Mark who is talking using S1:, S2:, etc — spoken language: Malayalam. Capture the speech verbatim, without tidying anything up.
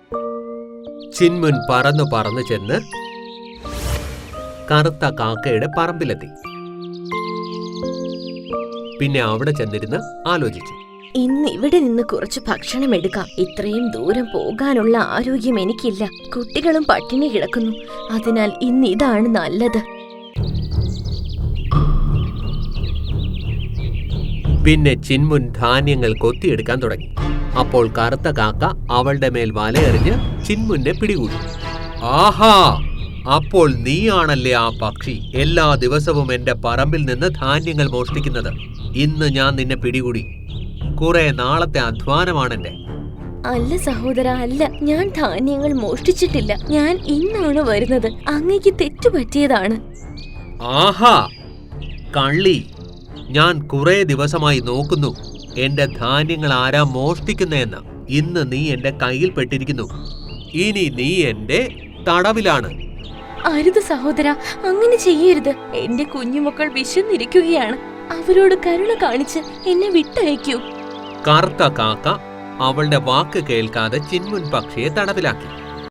S1: ചിൻമുൻ പറന്നു പറന്നു ചെന്ന് കറുത്ത കാക്കയുടെ പറമ്പിലെത്തി. പിന്നെ അവിടെ ചെന്നിരുന്ന് ആലോചിച്ചു.
S2: ഇന്ന് ഇവിടെ നിന്ന് കുറച്ച് ഭക്ഷണം എടുക്കാം. ഇത്രയും ദൂരം പോകാനുള്ള ആരോഗ്യം എനിക്കില്ല. കുട്ടികളും പട്ടിണി കിടക്കുന്നു. അതിനാൽ ഇന്ന് ഇതാണ് നല്ലത്.
S1: പിന്നെ ചിൻമുൻ ധാന്യങ്ങൾ കൊത്തിയെടുക്കാൻ തുടങ്ങി. അപ്പോൾ കറുത്ത കാക്ക അവളുടെ മേൽ വലയെറിഞ്ഞ് ചിൻമുനെ പിടികൂടി. ആഹാ, അപ്പോൾ നീയാണല്ലേ ആ പക്ഷി എല്ലാ ദിവസവും എന്റെ പറമ്പിൽ നിന്ന് ധാന്യങ്ങൾ മോഷ്ടിക്കുന്നത്. ഇന്ന് ഞാൻ നിന്നെ പിടികൂടി. കുറെ നാളത്തെ അധ്വാനമാണെന്റെ.
S2: അല്ല സഹോദര, അല്ല, ഞാൻ ധാന്യങ്ങൾ മോഷ്ടിച്ചിട്ടില്ല. ഞാൻ ഇന്നാണ് വരുന്നത്. അങ്ങേക്ക് തെറ്റുപറ്റിയതാണ്.
S1: ആഹാ കള്ളി, ഞാൻ കുറെ ദിവസമായി നോക്കുന്നു എന്റെ ധാന്യങ്ങൾ ആരാ മോഷ്ടിക്കുന്നതെന്ന്. ഇന്ന് നീ എന്റെ കയ്യിൽ പെട്ടിരിക്കുന്നു. ഇനി നീ എന്റെ തടവിലാണ്.
S2: അരുത് സഹോദര, അങ്ങനെ ചെയ്യരുത്. എന്റെ കുഞ്ഞുമക്കൾ വിശന്നിരിക്കുകയാണ്. അവരോട് കരുണ കാണിച്ച് എന്നെ വിട്ടയക്കൂ.
S1: കറുത്ത കാക്ക അവളുടെ വാക്ക് കേൾക്കാതെ ചിൻമുൻ പക്ഷിയെ തടവിലാക്കി.